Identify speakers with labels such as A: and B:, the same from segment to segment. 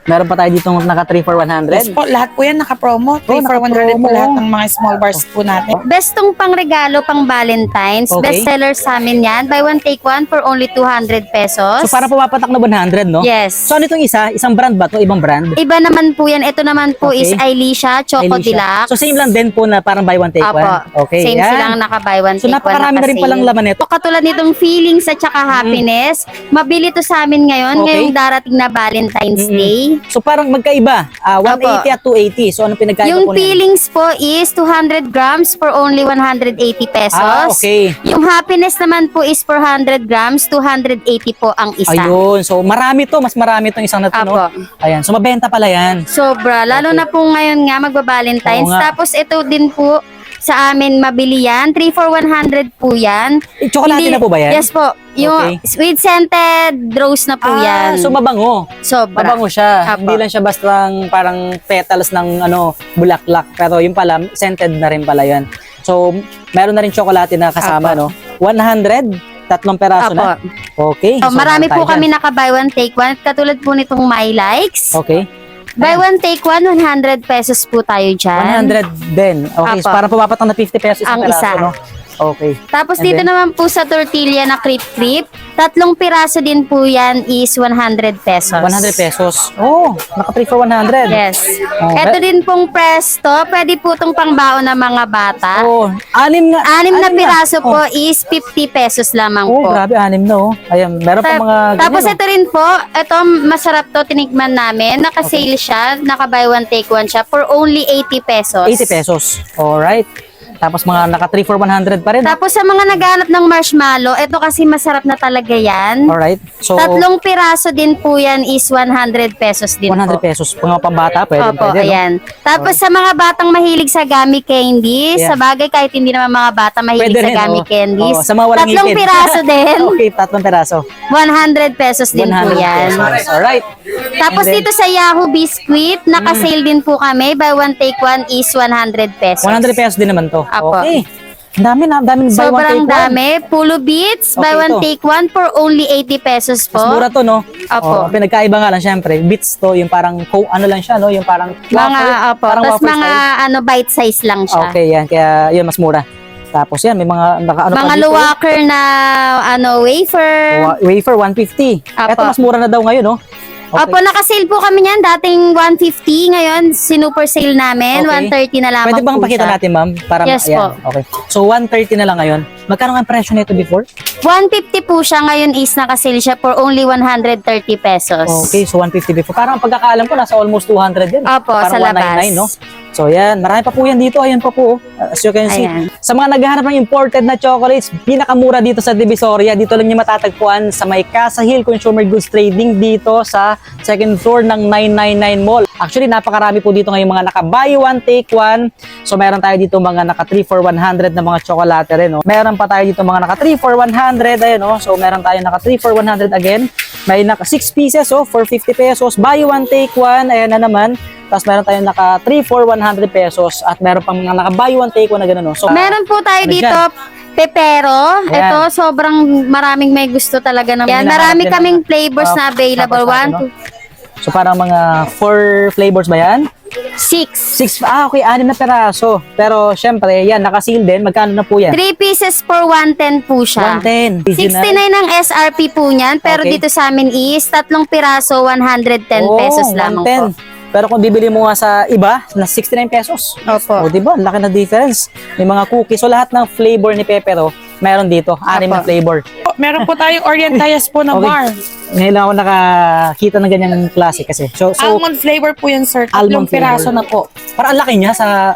A: Meron pa tayo dito naka 3 for 100.
B: Yes po, lahat po yan naka-promo. 3 for 100 po
A: naka-promo.
B: lahat ng mga small bars po natin.
C: Best tong pang regalo, pang Valentine's.
A: Okay.
C: Best seller sa amin yan. Buy one, take one for only 200 pesos.
A: So para pumapatak na 100, no?
C: Yes.
A: So ano itong isa? Isang brand ba ito? Ibang brand?
C: Iba naman po yan. Ito naman po
A: Okay.
C: is Ailisha Choco
A: Ailisha.
C: Deluxe.
A: So same lang din po na parang buy one take
C: Apo.
A: one. Okay.
C: Same
A: yan.
C: silang naka-buy one,
A: So
C: take one.
A: napakarami na rin
C: naka-sale.
A: palang laman nito.
C: So, katulad nitong feelings at saka happiness, mabili to sa amin ngayon,
A: Okay.
C: ngayong darating na Valentine's Day.
A: So parang magkaiba. 180 at 280. So ano pinagkaiba
C: Yung
A: po niyan?
C: feelings po is 200 grams for only 180 pesos.
A: Okay.
C: Yung happiness naman po is 400 grams, 280 po ang isa.
A: Ayun. So marami to. Mas marami itong isang na to, no?
C: Apo.
A: Ayan. So mabenta pala yan.
C: Sobra. Lalo na po ngayon nga magba-Valentine's.
A: Oo nga.
C: Tapos ito din po sa amin mabili yan. 3 for 100 po yan.
A: Chocolate na po ba yan?
C: Yes po. Yung sweet scented rose na po yan.
A: So mabango.
C: Sobra.
A: Mabango siya.
C: Apo.
A: Hindi lang siya basta parang petals ng bulaklak. Pero yung pala, scented na rin pala yan. So, meron na rin chocolate na kasama,
C: Apo.
A: no? 100, tatlong peraso
C: Apo.
A: na. Okay.
C: So, marami
A: meron
C: po
A: tayo
C: kami
A: dyan.
C: naka-buy one, take one. Katulad po nitong My Likes.
A: Okay.
C: Buy one, take one, 100 pesos po tayo dyan.
A: 100 din. Okay. So,
C: Apo.
A: para pumapat na 50 pesos
C: Ang
A: peraso,
C: isa.
A: no? Okay.
C: Tapos
A: And
C: dito
A: then,
C: naman po sa tortilla na crepe-crepe, tatlong piraso din po yan is 100 pesos.
A: 100 pesos. Oh, naka 3 for 100.
C: Yes.
A: Oh,
C: Ito din pong presto, pwede po itong pangbaon ng mga bata.
A: Oh, anim nga.
C: Anim na piraso
A: Oh.
C: po is 50 pesos lamang
A: Oh,
C: po.
A: grabe, anim na, oh. Ayan, meron pa mga
C: Tapos
A: ganyan,
C: ito rin po, ito masarap to, tinikman namin. Naka-sale siya, naka-buy one, take one siya for only 80 pesos.
A: 80 pesos. Alright. Tapos mga naka 3 for 100 pa rin.
C: Tapos sa mga naghanap ng marshmallow, ito kasi masarap na talaga yan.
A: Alright. So,
C: Tatlong piraso din po yan is 100 pesos din
A: 100
C: po.
A: pesos. Mga pambata, pwede,
C: Opo,
A: pwede, no?
C: ayan. Tapos sa mga batang mahilig sa gummy candies,
A: Yeah.
C: sa bagay kahit hindi naman mga bata mahilig
A: Pwede
C: sa
A: rin,
C: gummy
A: oh.
C: candies.
A: Oh, sa mga walang
C: Tatlong
A: ngipin.
C: piraso din,
A: Okay, tatlong peraso.
C: 100 pesos din
A: 100
C: po yan.
A: pesos. Alright.
C: Tapos
A: And then,
C: dito sa Yahoo Biscuit, naka-sale din po kami. Buy one, take one is 100 pesos.
A: 100 pesos din naman to.
C: Apo.
A: Okay. Ang dami na, daming buy one
C: Sobrang
A: take one.
C: dami. Pulo Beats,
A: Okay,
C: buy one,
A: ito.
C: take one for only 80 pesos po.
A: Mas mura to, no?
C: Apo.
A: Oh, pinagkaiba nga lang, syempre. Bits to, yung parang, ano lang siya, no? Yung parang
C: Mga, opo.
A: Parang
C: Tapos
A: wafer
C: mga
A: style.
C: bite size lang siya.
A: Okay, yan. Kaya, yun, mas mura. Tapos yan, may mga, naka-ano pa
C: Mga
A: dito.
C: luwaker na wafer.
A: Wafer, 150.
C: Apo.
A: Ito, mas mura na daw ngayon, no? Okay.
C: Opo, naka-sale po kami niyan. Dating 150, ngayon sinuper sale namin.
A: Okay.
C: 130 na lamang
A: Pwede bang
C: po
A: pakita
C: siya.
A: natin, ma'am? Para
C: Yes
A: ayan,
C: po.
A: Okay. So, 130 na lang ngayon. Magkano nga ang presyo nito before?
C: 150 po siya. Ngayon is naka-sale siya for only 130 pesos.
A: Okay, so 150 before. Parang ang pagkakaalam ko, nasa almost 200 yan.
C: Opo,
A: Parang
C: sa labas.
A: 199, no? So, yan. Marami pa po yan dito. Ayan pa po. As you can see.
C: Ayan.
A: Sa mga naghahanap ng imported na chocolates, pinakamura dito sa Divisoria. Dito lang niyo matatagpuan sa may Casa Hill Consumer Goods Trading dito sa second floor ng 999 Mall. Actually, napakarami po dito ngayong mga naka-buy one, take one. So, meron tayo dito mga naka 3 for 100 na mga tsokolate rin, no? Meron pa tayo dito mga naka 3 for 100, ayun, no? So, meron tayo naka 3 for 100 again. May naka 6 pieces, oh, for 50 pesos. Buy one, take one. Ayan na naman. Tapos meron tayong naka 3 for 100 pesos at meron pang mga naka buy one, take one na gano'n, no? So,
C: Meron po tayo
A: ano
C: dito,
A: dyan?
C: pepero.
A: Ayan.
C: Ito, sobrang maraming may gusto talaga ng yan.
A: Hinahanap
C: Marami
A: din
C: kaming
A: ng-
C: flavors na available.
A: tapos
C: 1
A: ano?
C: to
A: So, parang mga 4 flavors ba yan?
C: 6.
A: 6, okay, 6 na peraso. Pero, syempre, yan, naka-seal din. Magkano na po yan?
C: 3 pieces for 110 po siya.
A: 110.
C: 69 ang SRP po niyan, pero
A: Okay.
C: dito sa amin is tatlong piraso 110 pesos lamang po.
A: 110. Pero kung bibili mo nga sa iba, na 69 pesos.
C: Opo.
A: O, diba? Laki na difference. May mga cookies. So, lahat ng flavor ni Pepero, meron dito. 6 na
C: Opo.
A: flavor.
B: Meron po tayong Orientayas po na
A: Okay.
B: bar.
A: Ngayon lang ako nakakita ng ganyang klase kasi. So,
B: Almond flavor po yan, sir.
A: Almond
B: Tatlong piraso
A: flavor.
B: na po.
A: parang ang laki niya sa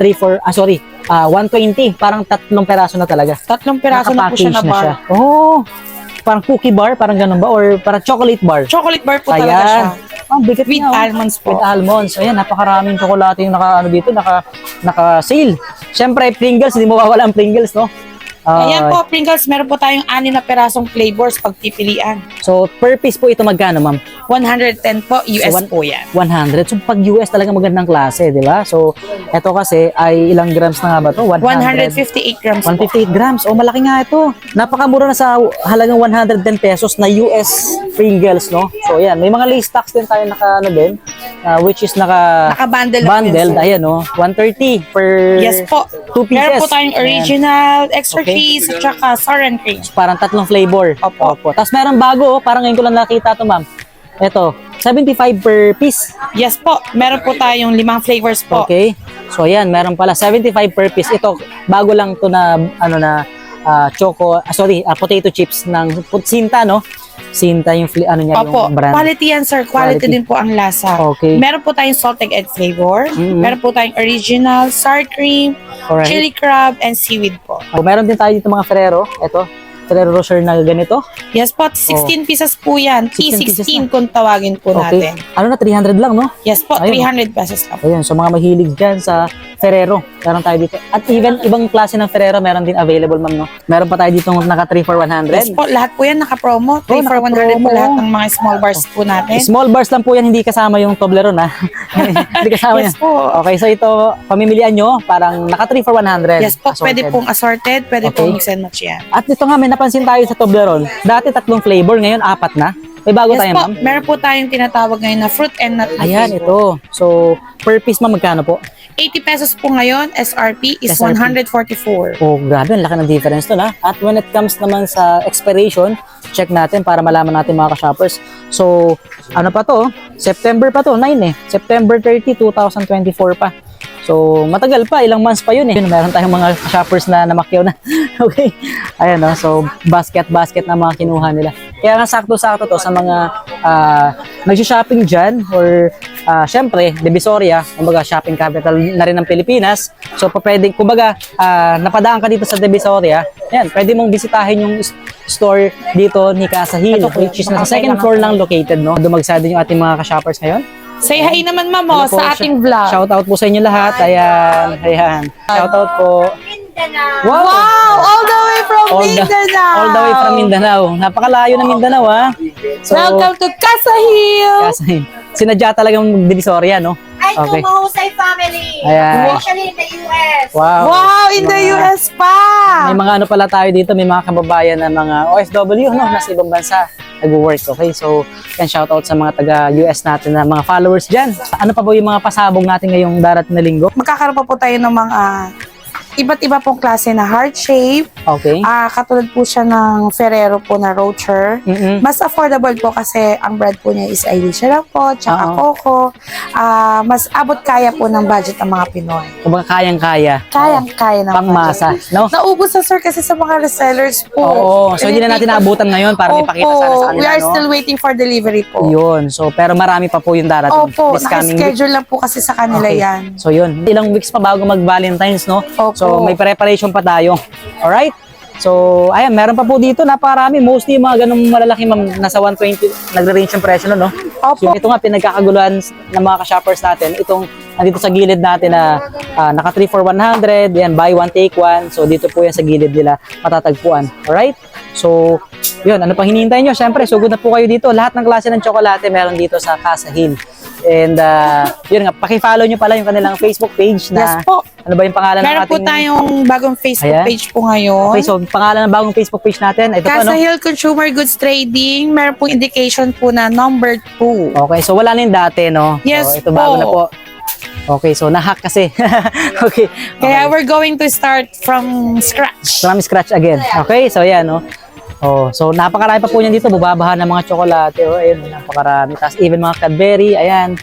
A: 120. Parang 3 peraso na talaga.
B: Tatlong piraso na po siya na
A: Naka-package
B: bar.
A: Oh, parang cookie bar, parang ganun ba? Or parang chocolate bar?
B: Chocolate bar po talaga siya.
A: Ang bigat
B: With
A: niya, oh.
B: almonds po.
A: With almonds. Ayan, napakaraming tsokolate yung naka-sale. Siyempre, Pringles, hindi mawawala ang Pringles, no?
B: Ayan po, Pringles, meron po tayong 6 na perasong flavors pagpipilian.
A: So, per piece po ito magkano, ma'am?
B: 110 po, US
A: So,
B: po yan.
A: 100. So, pag US talaga magandang klase, di ba? So, ito kasi ay ilang grams na nga ba to?
B: 158 grams po.
A: 158 grams. Oh, malaki nga ito. Napakamura na sa halagang 110 pesos na US Pringles, no? So, yan. May mga lace stocks din tayo din, which is
B: Naka-bundle na po yun,
A: bundled.
B: sir.
A: Ayan, no? 130 per
B: Yes po.
A: 2 pieces.
B: Meron po tayong
A: Ayan.
B: original, extra
A: Okay.
B: cheese, at saka sour and cream.
A: Parang 3 flavor.
B: Opo.
A: Tapos meron bago, parang ngayon ko lang nakita to, ma'am. Ito, 75 per piece.
B: Yes po, meron po tayong 5 flavors po.
A: Okay. So ayan, meron pala 75 per piece. Ito, bago lang to na potato chips ng Sinta, no? Sinta yung niya,
B: Opo,
A: yung brand.
B: quality yan sir, quality din po ang lasa.
A: Okay.
B: Meron po tayong salted egg flavor,
A: Mhm.
B: meron po tayong original, sour cream,
A: Alright.
B: chili crab, and seaweed po.
A: Oh, meron din tayo dito mga Ferrero. Ito, Ferrero Rocher na ganito.
B: Yes po, 16 pieces po yan.
A: 16 pieces
B: P16 kung tawagin po
A: Okay.
B: natin.
A: Ano na, 300 lang, no?
B: Yes po,
A: Ayun.
B: 300 pesos lang.
A: Ayan, so mga mahilig dyan sa Ferrero, meron tayo dito. At even ibang klase ng Ferrero, meron din available, ma'am, no? Meron pa tayo dito naka 3 for 100.
B: Yes po, lahat po yan naka-promo. 3 for 100 po
A: naka-promo.
B: lahat ng mga small bars po natin.
A: Small bars lang po yan, hindi kasama yung Toblerone, ha? Hindi kasama
B: Yes
A: yan.
B: po.
A: Okay, so ito, pamimilian nyo, parang naka 3 for 100.
B: Yes po, pwede
A: assorted.
B: pong assorted, pwede
A: Okay.
B: pong mix and match yan.
A: At ito nga, may napansin tayo sa Toblerone. Dati 3 flavor, ngayon 4 na. May bago
B: Yes
A: tayo,
B: po,
A: ma'am.
B: meron po tayong tinatawag ngayon na fruit and nut.
A: Ayan, ito. So, per piece, ma'am, magkano po?
B: 80 pesos po ngayon, SRP is
A: SRP.
B: 144.
A: Oh, grabe, ang laki ng difference to, na. At when it comes naman sa expiration, check natin para malaman natin mga ka-shoppers. So, ano pa to? September pa to, 9 eh. September 30, 2024 pa. So, matagal pa, ilang months pa yun eh. Meron tayong mga shoppers na namakyaw na. Okay. Ayan, no? So, basket na mga kinuha nila. Kaya nga sakto-sakto to sa mga nag-shopping dyan or syempre, Divisoria, kumbaga shopping capital na rin ng Pilipinas. So, pwede, kumbaga, napadaan ka dito sa Divisoria, yan, pwede mong bisitahin yung store dito ni Casa Hill, which is nasa second floor lang located, no? Dumagsada yung ating mga ka-shoppers ngayon.
B: Say hi naman ma'am
A: Ano po,
B: sa ating vlog.
A: Shoutout po sa inyo lahat. Ayan. Shoutout po.
B: Wow! All the way from
A: All the way from Mindanao. Napakalayo ng Mindanao, ha? So,
B: Welcome to Casa Hill!
A: kasi sinadya talagang Divisoria, no?
D: Ay,
A: Okay.
D: Mahusay family.
A: Ayan.
D: Especially in the US.
A: Wow.
B: Wow! In the US pa!
A: May mga ano pala tayo dito, may mga kababayan na mga OFW, no? Nasa ibang bansa nag-work, okay? So, yan, shoutout sa mga taga-US natin na mga followers dyan. Ano pa po yung mga pasabog natin ngayong darating na linggo?
B: Magkakaroon pa po tayo ng mga iba't iba pong klase na heart shape.
A: Okay.
B: Katulad po siya ng Ferrero po na Rocher.
A: Mm-mm.
B: Mas affordable po kasi ang brand po niya is Irish lang po, tsaka
A: Oo.
B: Coco. Mas abot kaya po ng budget ng mga Pinoy.
A: Kumbaga kayang-kaya.
B: Kayang-kaya ng
A: Pangmasa,
B: budget.
A: no?
B: Naubos na sir kasi sa mga resellers po.
A: Oo. So, hindi na natin naabutan ngayon para ipakita sana sa kanila,
B: We are
A: no?
B: still waiting for delivery po.
A: Yun. So, pero marami pa po yung darating.
B: Opo,
A: This coming week.
B: naka-schedule lang po kasi sa kanila
A: Okay.
B: yan.
A: So, yun. Ilang weeks pa bago mag-Valentine's, no?
B: Opo.
A: So, may preparation pa tayo. Alright? So, ayan, meron pa po dito, napakarami. Mostly, yung mga ganung malalaki, nasa 120, nagre-range yung presyo, no?
B: Opo.
A: So, ito nga, pinagkakaguluhan ng mga ka-shoppers natin. Itong, nandito sa gilid natin na naka 3 for 100, yan, buy one, take one. So, dito po yan sa gilid nila matatagpuan. Alright? So, yun, ano pang hinihintay nyo? Siyempre, sugod na po kayo dito. Lahat ng klase ng tsokolate meron dito sa Casa Hill. And, yun nga, pakifollow nyo pala yung kanilang Facebook page na,
B: Yes po.
A: ano ba yung pangalan ng
B: Meron po
A: ating...
B: tayong bagong Facebook
A: Ayan.
B: page po ngayon.
A: Okay, so pangalan ng bagong Facebook page natin, ito po,
B: Casa
A: no?
B: Hill Consumer Goods Trading, meron pong indication po na number 2.
A: Okay, so wala na yung dati, no?
B: Yes
A: so, ito
B: po.
A: bago na po. Okay, so nahack kasi. Okay.
B: Kaya we're going to start from scratch.
A: From scratch again. Okay, so yan, no? Oh, so napakarami pa po niyan dito, bubabahan ng mga tsokolate, oh, ayun, napakarami. Tapos even mga Cadbury, ayan,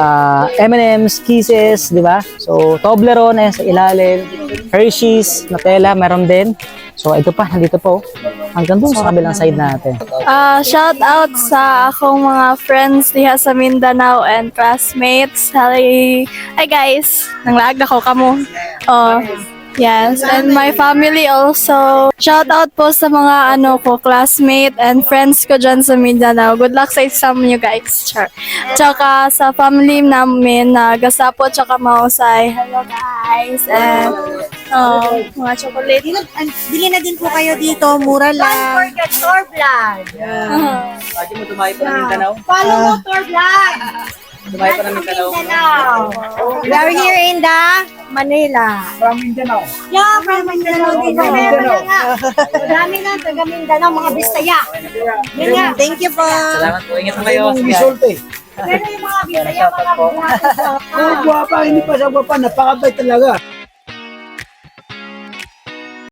A: M&M's, Kisses, di ba? So Toblerone, ayan, sa ilalim, Hershey's, Nutella, meron din. So ito pa, nandito po, hanggang dun sa kabilang side natin.
E: Shout out sa akong mga friends diha sa Mindanao and classmates. Hi guys, nanglaag ako kamo. Yes, and my family also. Shout out po sa mga classmate and friends ko dyan sa Mindanao. Good luck sa exam niyo guys. Sure. Tsaka sa family namin na Gasapo tsaka Mausay. Hello guys. And Mga chocolate.
F: Bili na din po kayo dito, mura
D: Don't
F: lang.
D: forget Tor Vlog.
A: Lagi mo tumayo pa ng Mindanao.
D: Follow mo Tor Vlog.
A: Tumayo pa ng Mindanao.
D: Mindanao.
F: We are here in the Manila.
D: Yeah, from Mindanao din. Meron na nga. Madami na, taga Mindanao, mga Bisaya. Yun nga.
F: Thank you po.
A: Salamat po. Ingat na kayo.
D: Pero yung mga Bisaya, mga
A: po.
D: Bisaya.
G: Guwapa, hindi pa siya guwapa, napakabay talaga.